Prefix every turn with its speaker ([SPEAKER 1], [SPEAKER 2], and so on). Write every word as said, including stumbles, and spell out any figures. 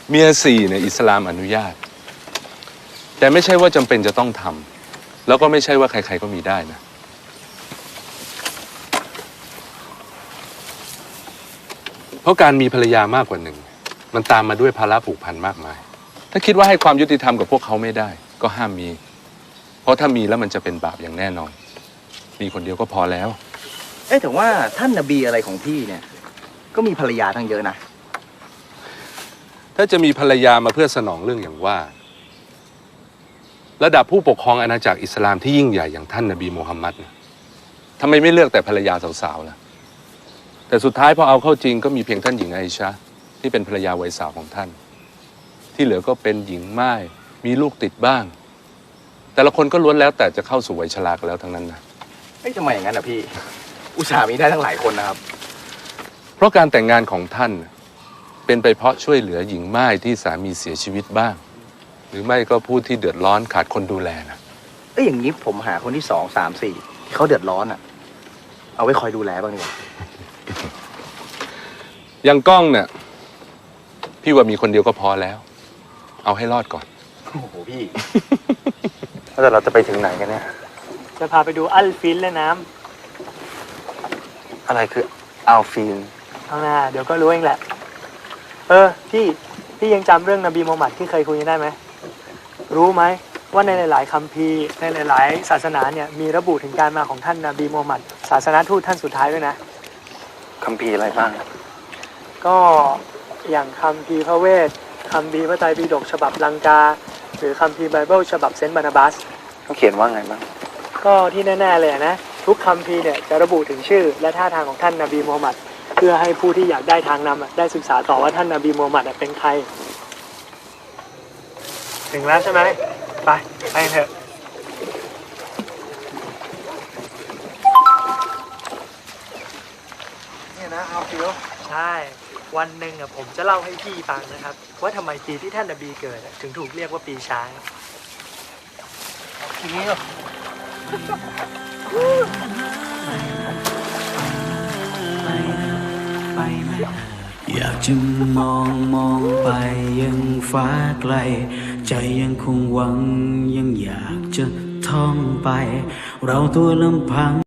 [SPEAKER 1] เมียสี่เนี่ยอิสลามอนุญาตแต่ไม่ใช่ว่าจำเป็นจะต้องทำแล้วก็ไม่ใช่ว่าใครๆก็มีได้นะเพราะการมีภรรยามากกว่าหนึ่งมันตามมาด้วยภาระผูกพันมากมายถ้าคิดว่าให้ความยุติธรรมกับพวกเขาไม่ได้ก็ห้ามมีเพราะถ้ามีแล้วมันจะเป็นบาปอย่างแน่นอนมีคนเดียวก็พอแล้ว
[SPEAKER 2] เอ๊ะแต่ว่าท่านนบีอะไรของพี่เนี่ยก็มีภรรยาทั้งเยอะนะ
[SPEAKER 1] ถ้าจะมีภรรยามาเพื่อสนองเรื่องอย่างว่าระดับผู้ปกครองอาณาจักรอิสลามที่ยิ่งใหญ่อย่างท่านนบีมูฮัมมัดทำไมไม่เลือกแต่ภรรยาสาวๆล่ะแต่สุดท้ายพอเอาเข้าจริงก็มีเพียงท่านหญิงไอชะที่เป็นภรรยาวัยสาวของท่านที่เหลือก็เป็นหญิงม่ายมีลูกติดบ้างแต่ละคนก็ล้วนแล้วแต่จะเข้าสู่วัยชรากันแล้วทั้งนั้นนะ
[SPEAKER 2] เอ๊ะทำไมอย่างนั้นอ่ะพี่อุตส่าห์มีได้ทั้งหลายคนนะครับ
[SPEAKER 1] เพราะการแต่งงานของท่านเป็นไปเพราะช่วยเหลือหญิงม่ายที่สามีเสียชีวิตบ้างหรือไม่ก็ผู้ที่เดือดร้อนขาดคนดูแลนะ
[SPEAKER 2] เอ้ยอย่างนี้ผมหาคนที่สองสามสี่ที่เขาเดือดร้อนอ่ะเอาไว้คอยดูแลบ้างดีกว่า
[SPEAKER 1] อย่างกล้องเนี่ยพี่ว่ามีคนเดียวก็พอแล้วเอาให้รอดก่อน
[SPEAKER 2] โอ้โหพี่
[SPEAKER 1] แล้วเราจะไปถึงไหนกันเนี่ย
[SPEAKER 3] จะพาไปดูอัลฟินและน้
[SPEAKER 1] ำอะไรคืออัลฟิน
[SPEAKER 3] เอาหน้าเดี๋ยวก็รู้เองแหละเออพี่พี่ยังจำเรื่องนบีมูฮัมหมัดที่เคยคุยกันได้ไหมรู้ไหมว่าในหลายๆคัมภีร์ในหลายๆศาสนาเนี่ยมีระบุถึงการมาของท่านนบีมูฮัมหมัดศาสนาทูตท่านสุดท้ายด้วยนะ
[SPEAKER 1] คัมภีร์อะไรบ้าง
[SPEAKER 3] ก็อย่างคัมภีร์พระเวทคัมภีร์พระไตรปิฎกฉบับลังกาหรือคัมภีร์ไบเบิลฉบับเซนต์บานาบัส
[SPEAKER 1] เขาเขียนว่าไงบ้าง
[SPEAKER 3] ก็ที่แน่ๆเลยนะทุกคัมภีร์เนี่ยจะระบุถึงชื่อและท่าทางของท่านนบีมูฮัมหมัดเพื่อให้ผู้ที่อยากได้ทางนำได้ศึกษาต่อว่าท่านนบีมูฮัมหมัดเป็นใครถึงแล้วใช่ไหมไปไปเถอะ
[SPEAKER 2] เนี่ยนะเอาฟิว
[SPEAKER 3] ใช่วันหนึ่งอ่ะผมจะเล่าให้พี่ฟังนะครับว่าทำไมปีที่ท่านนบีเกิดถึงถูกเรียกว่าปีช้าง
[SPEAKER 2] ฟิว
[SPEAKER 4] อยากจะมองมองไปยังฟ้าไกลใจยังคงหวังยังอยากจะท่องไปเราตัวลำพัง